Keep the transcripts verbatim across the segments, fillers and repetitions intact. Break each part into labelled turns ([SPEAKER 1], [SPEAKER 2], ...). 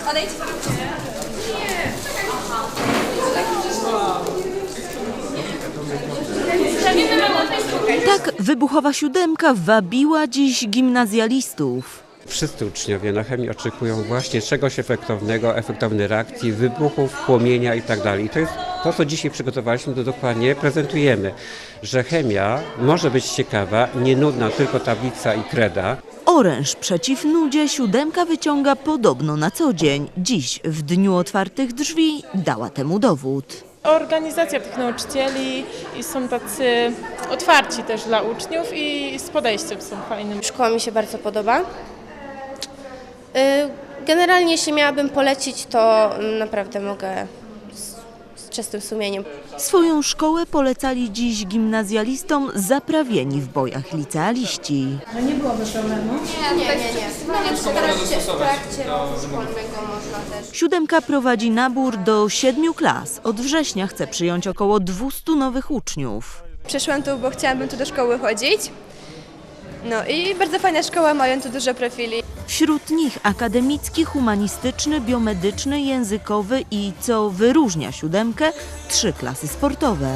[SPEAKER 1] Tak wybuchowa siódemka wabiła dziś gimnazjalistów.
[SPEAKER 2] Wszyscy uczniowie na chemii oczekują właśnie czegoś efektownego, efektownej reakcji, wybuchów, płomienia itd. I to jest to, co dzisiaj przygotowaliśmy, to dokładnie prezentujemy, że chemia może być ciekawa, nie nudna, tylko tablica i kreda.
[SPEAKER 1] Oręż przeciw nudzie siódemka wyciąga podobno na co dzień. Dziś, w dniu otwartych drzwi, dała temu dowód.
[SPEAKER 3] Organizacja tych nauczycieli i są tacy otwarci też dla uczniów i z podejściem są fajnym.
[SPEAKER 4] Szkoła mi się bardzo podoba. Generalnie jeśli miałabym polecić, to naprawdę mogę z, z czystym sumieniem.
[SPEAKER 1] Swoją szkołę polecali dziś gimnazjalistom zaprawieni w bojach licealiści.
[SPEAKER 5] No nie byłoby problemu?
[SPEAKER 4] Nie, nie, nie. nie. W trakcie, w trakcie roku szkolnego można też.
[SPEAKER 1] Siódemka prowadzi nabór do siedmiu klas. Od września chce przyjąć około dwustu nowych uczniów.
[SPEAKER 6] Przyszłam tu, bo chciałabym tu do szkoły chodzić. No i bardzo fajna szkoła, mają tu dużo profili.
[SPEAKER 1] Wśród nich akademicki, humanistyczny, biomedyczny, językowy i, co wyróżnia siódemkę, trzy klasy sportowe.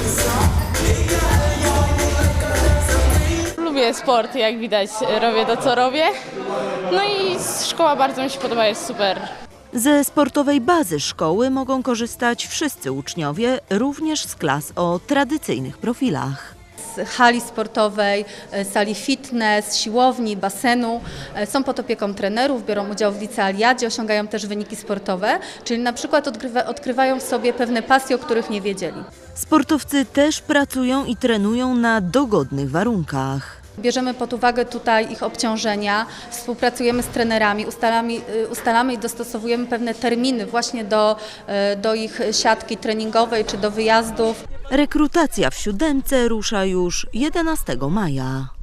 [SPEAKER 3] Lubię sport, jak widać, robię to, co robię. No i szkoła bardzo mi się podoba, jest super.
[SPEAKER 1] Ze sportowej bazy szkoły mogą korzystać wszyscy uczniowie, również z klas o tradycyjnych profilach.
[SPEAKER 5] Z hali sportowej, sali fitness, siłowni, basenu. Są pod opieką trenerów, biorą udział w licealiadzie, osiągają też wyniki sportowe, czyli na przykład odkrywa, odkrywają w sobie pewne pasje, o których nie wiedzieli.
[SPEAKER 1] Sportowcy też pracują i trenują na dogodnych warunkach.
[SPEAKER 5] Bierzemy pod uwagę tutaj ich obciążenia, współpracujemy z trenerami, ustalamy, ustalamy i dostosowujemy pewne terminy właśnie do, do ich siatki treningowej czy do wyjazdów.
[SPEAKER 1] Rekrutacja w siódemce rusza już jedenastego maja.